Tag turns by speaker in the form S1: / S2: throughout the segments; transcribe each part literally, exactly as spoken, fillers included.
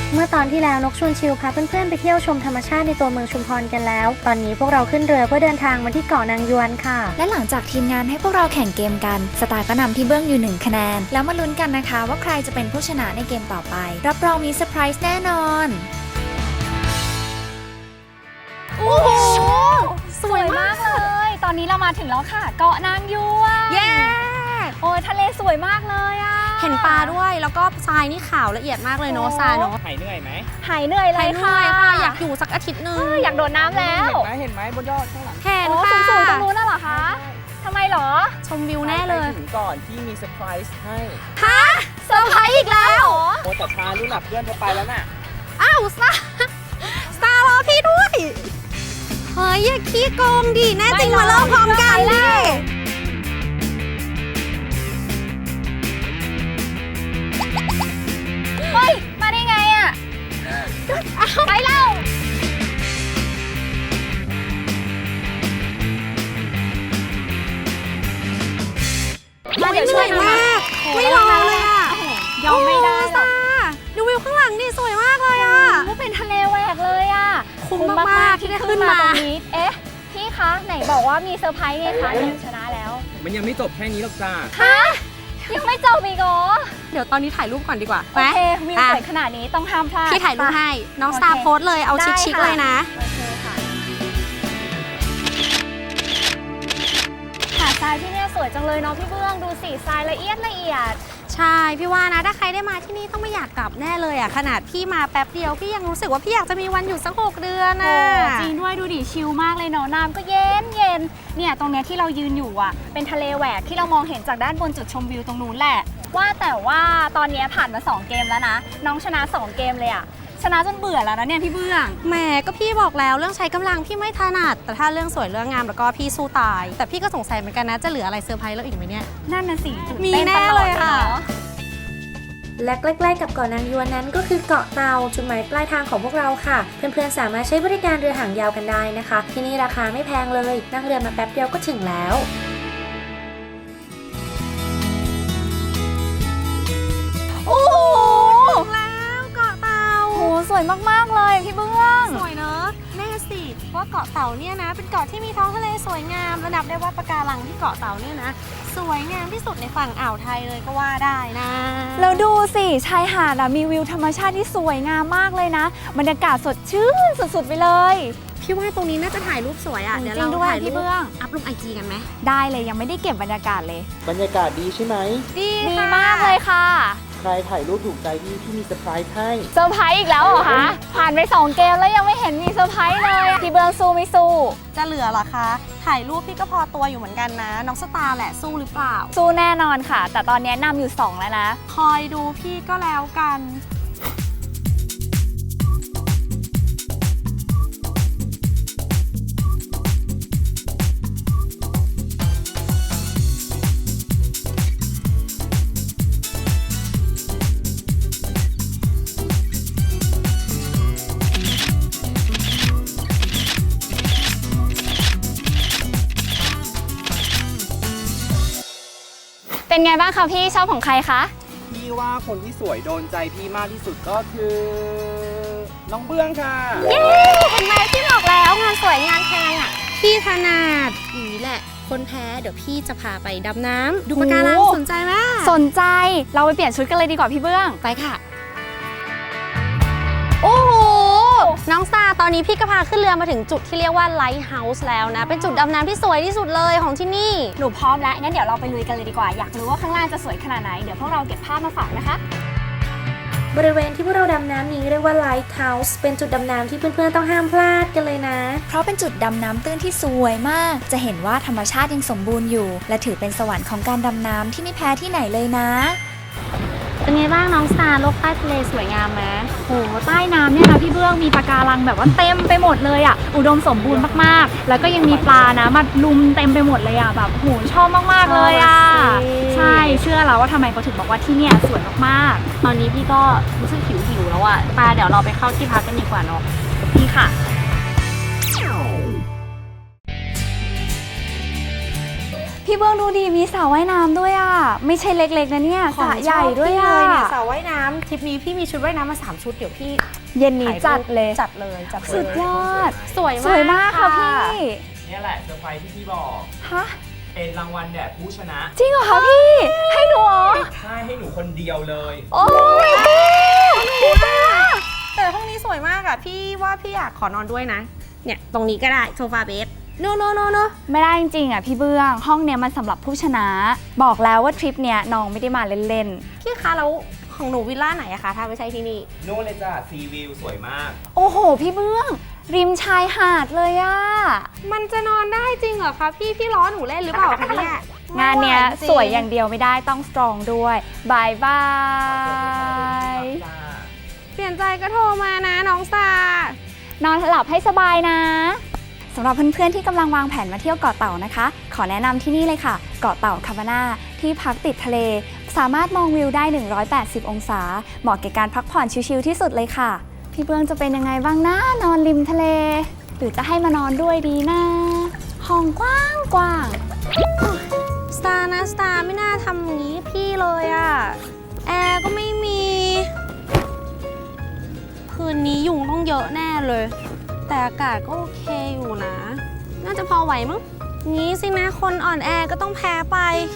S1: เมื่อตอนที่แล้วนกชวนชิลพาเพื่อนๆไปเที่ยวชมธรรมชาติในตัวเมืองชุมพรกันแล้วตอนนี้พวกเราขึ้นเรือเพื่อเดินทางมาที่เกาะนางยวนค่ะ
S2: และหลังจากทีมงานให้พวกเราแข่งเกมกันสตาร์ก็นำที่เบื้องอยู่หนึ่งคะแนนแล้วมาลุ้นกันนะคะว่าใครจะเป็นผู้ชนะในเกมต่อไปรับรองมีเซอร์ไพรส์แน่นอน
S3: โอ้โหสวยมากเลยตอนนี้เรามาถึงแล้วค่ะเกาะนางยวน
S4: เย้
S3: โอ้ยทะเลสวยมากเลยอ่ะ
S4: เห็นปลาด้วยแล้วก็ทรายนี่ขาวละเอียดมากเลยเนาะทรายเนาะ
S5: หายเหนื่อยไหม
S3: หายเหนื่อยเลยค่ะ
S4: อยากอยู่สักอาทิตย์นึง
S3: อยากโดดน้ำแล้ว
S5: เห็นไหมเห็นไหมบนยอดข้างหลัง
S4: เห็นค่ะ
S3: สูงๆตรงนู้นน่ะเหรอคะทำไมหรอ
S4: ชมวิวแน่เลย
S5: ถึงก่อนที่มีเซอร์ไพรส์ให้
S4: ฮะเซอร์ไพรส์อีกแล้ว
S5: โอ้แต่ชาลูกหลับเพื่อนเธอไปแล้วน่ะ
S4: อ้าวสตาร์สตาร์รอพี่ด้วยเฮ้ยอย่าขี้โกงดิแน่จริงมาเล่าพร้อมกันเลย
S3: เฮ้ยมาได้ไงอ่ะไปเล่า
S4: มาเดี๋ยวช่วยมากไม่รอเลยอ่ะ
S3: ยอมไม่ได้หรอก
S4: ดูวิวข้างหลังนี่สวยมากเลยอ่ะ
S3: ก็เป็นทะเลแหวกเลยอ่ะ
S4: คุ้มมากๆที่ได้ขึ้นมา
S3: ตรงนี้เอ๊ะพี่คะไหนบอกว่ามีเซอร์ไพรส์ไงคะหนึ่งชนะแล้ว
S5: มันยังไม่จบแค่นี้หรอกจ้า
S3: ฮะยังไม่จบอีกเหรอ
S4: เดี๋ยวตอนนี้ถ่ายรูปก่อนดีกว่า
S3: โอเควิวสวยขนาดนี้ต้องห้ามพลาด
S4: พี่ถ่ายรูปให้น้องสตาร์โพสเลยเอาชิคๆเลยนะ
S3: โอเคค่ะหาดทรายที่นี่สวยจังเลยเนาะพี่เบื้องดูสีทรายละเอียดละเอียด
S4: ใช่พี่ว่านะถ้าใครได้มาที่นี่ต้องไม่อยากกลับแน่เลยอ่ะขนาดพี่มาแป๊บเดียวพี่ยังรู้สึกว่าพี่อยากจะมีวันอยู่สักหกเดือนน่ะ
S3: จริงด้วยดูดิชิลมากเลยเนาะน้ำก็เย็นเย็นเนี่ยตรงเนี้ยที่เรายืนอยู่อ่ะเป็นทะเลแหวกที่เรามองเห็นจากด้านบนจุดชมวิวตรงนู้นแหละว่าแต่ว่าตอนนี้ผ่านมาสองเกมแล้วนะน้องชนะสองเกมเลยอ่ะชนะจนเบื่อแล้วนะเนี่ยพี่เบื้อง
S4: แหมก็พี่บอกแล้วเรื่องใช้กำลังพี่ไม่ถนัดแต่ถ้าเรื่องสวยเรื่องงามแล้วก็พี่สู้ตายแต่พี่ก็สงสัยเหมือนกันนะจะเหลืออะไรเซอร์ไพรส์เราอีกไหมเนี่ย
S3: นั่นน่ะสิ
S4: มีแน่เลยค่ะ
S1: และใกล้ๆกับเกาะนางยวนนั้นก็คือเกาะเตาจุดหมายปลายทางของพวกเราค่ะเพื่อนๆสามารถใช้บริการเรือหางยาวกันได้นะคะที่นี่ราคาไม่แพงเลยนั่งเรือมาแป๊บเดียวก็ถึงแล้ว
S3: โอ้โห
S4: แล้วเกาะเตา
S3: โหสวยมากๆเลยพี่เบื้อง
S4: สวยเนอะแน่สิว่าเกาะเต่าเนี่ยนะเป็นเกาะที่มีท้องทะเลสวยงามระดับได้ว่าปะการังที่เกาะเต่าเนี่ยนะสวยงามที่สุดในฝั่งอ่าวไทยเลยก็ว่าได้นะ
S3: แล้วดูสิชายหาดอะมีวิวธรรมชาติที่สวยงามมากเลยนะบรรยากาศสดชื่นสุดๆไปเลย
S4: พี่ว่าตรงนี้น่าจะถ่ายรูปสวยอ่ะเดี๋ยวเราถ่ายรูปอัพลงไอจีกันไหม
S3: ได้เลยยังไม่ได้เก็บบรรยากาศเลย
S5: บรรยากาศดีใช่ไหม
S4: ดี
S3: มากเลยค่ะ
S5: ใครถ่ายรูปถูกใจพี่พี่มีเซอร์ไพรส์ให้
S3: เซอร์ไพรส์อีกแล้วเหรอคะผ่านไปสองเกมแล้วยังไม่เห็นมีเซอร์ไพรส์เลยพี่เบื้องสู้ไม่สู้
S4: จะเหลือเหรอคะถ่ายรูปพี่ก็พอตัวอยู่เหมือนกันนะน้องสตาร์แหละสู้หรือเปล่า
S3: สู้แน่นอนค่ะแต่ตอนนี้นำอยู่สองแล้วนะ
S4: คอยดูพี่ก็แล้วกัน
S3: เป็นไงบ้างคะพี่ชอบของใครคะ
S5: พี่ว่าคนที่สวยโดนใจพี่มากที่สุดก็คือน้องเบื้องค่ะ
S4: เย้เห็นไหมพี่บอกแล้วงานสวยงานแพงอ่ะพี่ถนัดอย่างนี้แหละคนแพ้เดี๋ยวพี่จะพาไปดำน้ำดูปะการังสนใจไหม
S3: สนใจเราไปเปลี่ยนชุดกันเลยดีกว่าพี่เบื้อง
S4: ไปค่ะโอ้โหน้องสตาร์ตอนนี้พี่ก็พาขึ้นเรือมาถึงจุดที่เรียกว่าไลท์เฮาส์แล้วนะเป็นจุดดำน้ำที่สวยที่สุดเลยของที่นี่
S3: หนูพร้อมแล้วงั้นเดี๋ยวเราไปลุยกันเลยดีกว่าอยากรู้ว่าข้างล่างจะสวยขนาดไหนเดี๋ยวพวกเราเก็บภาพมาฝากนะคะ
S1: บริเวณที่พวกเราดำน้ำนี้เรียกว่าไลท์เฮาส์เป็นจุดดำน้ำที่เพื่อนๆต้องห้ามพลาดกันเลยนะ
S2: เพราะเป็นจุดดำน้ำตื้นที่สวยมากจะเห็นว่าธรรมชาติยังสมบูรณ์อยู่และถือเป็นสวรรค์ของการดำน้ำที่ไม่แพ้ที่ไหนเลยนะ
S4: เป็นไงบ้างน้องสตาร์โลกใต้ทะเลสวยงามไหม
S3: โหใต้น้ำเนี่ยนะพี่เบื้องมีปะการังแบบว่าเต็มไปหมดเลยอ่ะอุดมสมบูรณ์มากๆแล้วก็ยังมีปลานะมาลุมเต็มไปหมดเลยอ่ะแบบโหชอบมากๆเลยอ่ะใช่เชื่อแล้วว่าทำไมเขาถึงบอกว่าที่เนี่ยสวยมาก
S4: ๆตอนนี้พี่ก็รู้สึกหิวหิวแล้วอ่ะปลาเดี๋ยวเราไปเข้าที่พักกันดีกว่าเนาะ
S3: พี่ค่ะ
S2: พี่เบื้องดูดีมีสระว่ายน้ำด้วยอ่ะไม่ใช่เล็กๆนะเนี่ยสระใหญ่ด้วย
S4: เล
S2: อ่ะ
S4: ยเนี่ยสระว่ายน้ำทริปนี้พี่มีชุดว่ายน้ำมาสามชุดเดี๋ยวพี่
S2: เย็นนี้จัดเลย
S4: จัดเลยจัดเลย
S2: สุดยอด
S4: สวยมาก
S2: สวยมากค่ะพี่
S5: เนี่ยแหละเซอร์ไพรส์ที่พี่บอก
S2: ฮะ
S5: เป็นรางวัลแด่ผู้ชนะ
S2: จริงเหรอคะพี่ให้หนูเหรอ
S5: ใช่ให้หนูคนเดียวเลย
S2: โอ้ย
S4: แต่ห้องนี้สวยมากอะพี่ว่าพี่อยากขอนอนด้วยนะ เนี่ยตรงนี้ก็ได้โซฟาเบสโนโนโนโน
S2: ไม่ได้จริงๆอ่ะพี่เบื้องห้องเนี้ยมันสำหรับผู้ชนะ บอกแล้วว่าทริปเนี้ยน้องไม่ได้มาเล่น
S4: พี่คะแล้วของหนูวิลล่าไหนอะคะถ้าไม่ใช่ที่นี่
S5: นู่นเลยจ้ะซีวิวสวยมาก
S2: ๆโอ้โหพี่เบื้อง ริมชายหาดเลยอ่ะ
S4: มันจะนอนได้จริงเหรอคะพี่พี่ล้อหนูเล่นหรือเปล่าคะเนี่ย
S2: งานเนี้ย
S4: จริง
S2: สวยอย่างเดียวไม่ได้ต้องสตรองด้วยบายบาย
S4: เปลี่ยนใจก็โทรมานะน้องซาน
S2: อนหลับให้สบายนะสำหรับเพื่อนๆที่กำลังวางแผนมาเที่ยวเกาะเต่านะคะ ขอแนะนำที่นี่เลยค่ะ เกาะเต่าคาบาน่าที่พักติดทะเล สามารถมองวิวได้ หนึ่งร้อยแปดสิบ องศา เหมาะแก่การพักผ่อนชิลๆที่สุดเลยค่ะ พี่เบื้องจะเป็นยังไงบ้างนะนอนริมทะเล หรือจะให้มานอนด้วยดีนะห้องกว้างกว้างๆ
S4: สตาร์นะสตาร์ไม่น่าทำอย่างนี้พี่เลยอะแอร์ก็ไม่มีคืนนี้ยุงต้องเยอะแน่เลย แต่อากาศก็โอเคอยู่นะ น่าจะพอไหวมั้งงี้สินะคนอ่อนแอก็ต้องแพ้ไป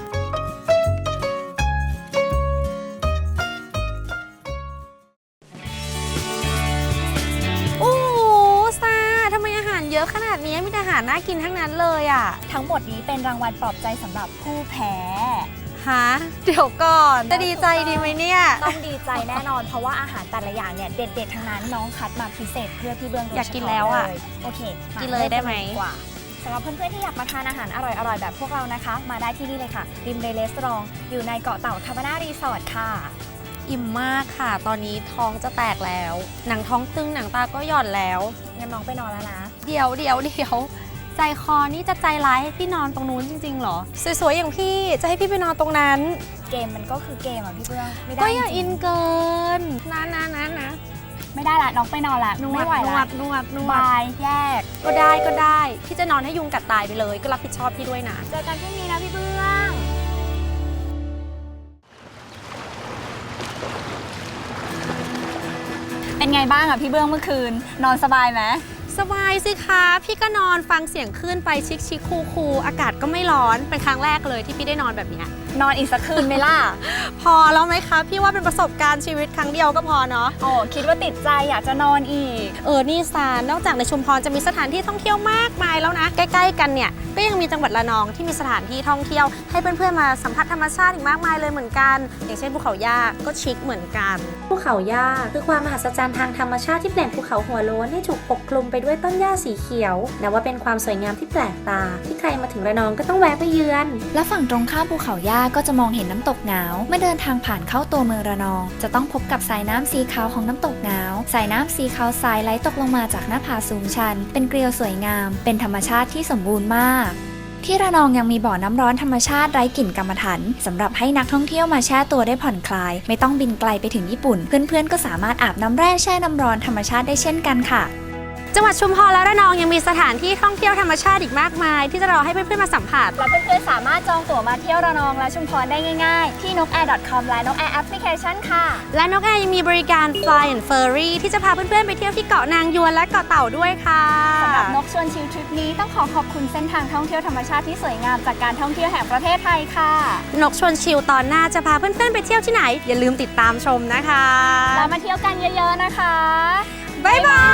S4: โอ้โหสตาร์ทำไมอาหารเยอะขนาดนี้มีแต่อาหารน่ากินทั้งนั้นเลยอะ
S2: ทั้งหมดนี้เป็นรางวัลปลอบใจสำหรับผู้แพ้
S4: ฮะเดี๋ยวก่อนจะดีใจดีไหมเนี่ย
S2: ต้องดีใจแน่นอนเพราะว่าอาหารแต่ละอย่างเนี่ยเด็ดๆทั้งนั้นน้องคัดมาพิเศษเพื่อพี่เบื้องโดย
S4: อยากกิน
S2: เฉพาะ
S4: แล้วอะ
S2: เลยโอเคมา
S4: กินเลยได้ไหม
S2: ริ่กันกว่าสำหรับเพื่อนๆที่อยากมาทานอาหารอร่อยๆแบบพวกเรานะคะ มาได้ที่นี่เลยค่ะริมเรเลสตรองอยู่ในเกาะเต่าคาบาน่ารีสอร์ทค่ะ
S4: อิ่มมากค่ะ ตอนนี้ท้องจะแตกแล้ว หนังท้องตึงหนังตาก็หย่อนแล้ว
S2: งั้นน้องไปนอนแล้วนะ
S4: เดี๋ยวเดี๋ยวเดี๋ยวใจคอนี่จะใจร้ายให้พี่นอนตรงนู้นจริงๆเหรอ สวยๆอย่างพี่จะให้พี่ไปนอนตรงนั้น
S2: เกมมันก็คือเกมอ่ะพี่เบื้องไม่ได้
S4: ก็อย่า
S2: จริ
S4: อิ
S2: ง
S4: นเกินนะนะนะนะ
S2: ๆไม่ได้ละน้องไปนอนละ
S4: นว
S2: ไม่
S4: ด
S2: ไหวน
S4: ว
S2: ละ
S4: ดนวดนว
S2: บา
S4: ด
S2: ยแยก
S4: ก็ได้ก็ได้พี่จะนอนให้ยุงกัดตายไปเลย ก็รับผิดชอบพี่ด้วยนะ
S2: เจอกันพรุ่งนี้นะพี่เบื้อง เป็นไงบ้างอ่ะพี่เบื้องเมื่อคืน นอนสบายไหม
S4: สบายสิคะพี่ก็นอนฟังเสียงคลื่นไปชิคชิคคูคูๆอากาศก็ไม่ร้อนเป็นครั้งแรกเลยที่พี่ได้นอนแบบเนี้ย
S2: นอนอีกสักคืนไหมล่ะ
S4: พอแล้วไหมคะพี่ว่าเป็นประสบการณ์ชีวิตครั้งเดียวก็พอเนาะ
S2: โอ้คิดว่าติดใจอยากจะนอนอีก
S4: เออนี่ซานนอกจากในชุมพรจะมีสถานที่ท่องเที่ยวมากมายแล้วนะใกล้ๆกันเนี่ยก็ยังมีจังหวัดระนองที่มีสถานที่ท่องเที่ยวให้เพื่อนๆมาสัมผัสธรรมชาติอีกมากมายเลยเหมือนกัน อย่างเช่นภูเขาย่าก็ชิคเหมือนกัน
S1: ภูเขาย่าคือความมหัศจรรย์ทางธรรมชาติที่เปลี่ยนภูเขาหัวโล้นให้ถูกปกคลุมไปด้วยต้นหญ้าสีเขียวนับว่าเป็นความสวยงามที่แปลกตา ที่ใครมาถึงระนองก็ต้องแวะไปเยือน
S2: และฝั่งตรงข้ามภูเขาย่าก็จะมองเห็นน้ำตกหงาวเมื่อเดินทางผ่านเข้าตัวเมืองระนอง จะต้องพบกับสายน้ำสีขาวของน้ำตกหงาวสายน้ำสีขาวทรายไหลตกลงมาจากหน้าผาสูงชัน เป็นเกลียวสวยงาม เป็นธรรมชาติที่สมบูรณ์มาก ที่ระนองยังมีบ่อน้ำร้อนธรรมชาติไร้กลิ่นกรรมฐานสำหรับให้นักท่องเที่ยวมาแช่ตัวได้ผ่อนคลาย ไม่ต้องบินไกลไปถึงญี่ปุ่น เพื่อนๆก็สามารถอาบน้ำแร่แช่น้ำร้อนธรรมชาติได้เช่นกันค่ะ
S4: จังหวัดชุมพรและระนองยังมีสถานที่ท่องเที่ยวธรรมชาติอีกมากมาย ที่จะรอให้เพื่อนๆมาสัมผัส
S2: และเพื่อนๆสามารถจองตั๋วมาเที่ยวระนองและชุมพรได้ง่ายๆที่ นกแอร์ ดอท คอม และ นกแอร์ แอปพลิเคชัน ค่ะ
S4: และนกแอร์ยังมีบริการ Fly and Furry ที่จะพาเพื่อนๆไปเที่ยวที่เกาะนางยวนและเกาะเต่าด้วยค่ะ
S2: สำหรับนกชวนชิลทริปนี้ต้องขอขอบคุณเส้นทางท่องเที่ยวธรรมชาติที่สวยงามจากการท่องเที่ยวแห่งประเทศไทยค่ะ
S4: นกชวนชิลตอนหน้าจะพาเพื่อนๆไปเที่ยวที่ไหน อย่าลืมติดตามชมนะคะ
S2: แล้วมาเที่ยวกันเยอะๆนะคะ
S4: บ๊ายบาย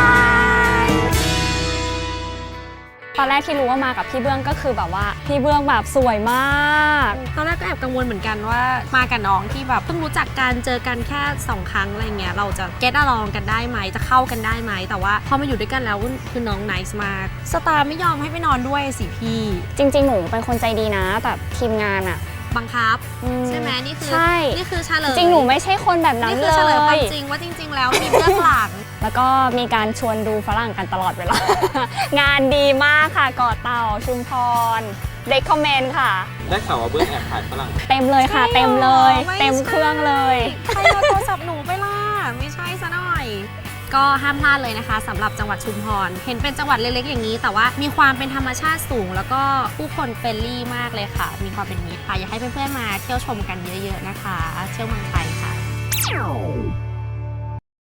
S3: ตอนแรกที่รู้ว่ามากับพี่เบื้องก็คือแบบว่าพี่เบื้องแบบสวยมาก
S4: ตอนแรกก็แอบกังวลเหมือนกันว่ามากับน้องที่แบบเพิ่งรู้จักกันเจอกันแค่สองครั้งอะไรเงี้ยเราจะเก็ตอลองกันได้ไหมจะเข้ากันได้ไหมแต่ว่าพอมาอยู่ด้วยกันแล้วคือน้องไนซ์มากสตาร์ไม่ยอมให้ไปนอนด้วยสิพี่
S3: จริงๆหนูเป็นคนใจดีนะแต่ทีมงานอะ
S4: บังคับ
S3: อื
S4: ใช่ไหมนี่คือ
S3: ใช่
S4: นี่คือเฉลย
S3: จริงหนูไม่ใช่คนแบบนั้น
S4: นี่
S3: เล
S4: คือเฉลยความ
S3: ย
S4: จริงว่าจริง ๆ แล้วมีเบื้องหลัง
S3: แล้วก็มีการชวนดูฝรั่งกันตลอดเวลา งานดีมากค่ะเกาะเต่าชุมพรเรคคอมเมนต์ค่ะ
S5: ได้ข่าวว่าเบื้องแอบถ่ายฝรั่ง
S3: เต็มเลยค่ะ
S4: ใช่หรอ
S3: เต็มเลย
S4: ไม่
S3: เต็มเครื่องเลย
S4: ใครเอาโทรศัพท์หนูไปล่ะไม่ใช่ซะหน่อยก็ห้ามพลาดเลยนะคะสำหรับจังหวัดชุมพรเห็นเป็นจังหวัดเล็กๆอย่างนี้แต่ว่ามีความเป็นธรรมชาติสูงแล้วก็ผู้คนเฟรนลี่มากเลยค่ะมีความเป็นมิตรค่ะอยากให้เพื่อนๆมาเที่ยวชมกันเยอะๆนะคะเที่ยวเมืองไทยค่ะ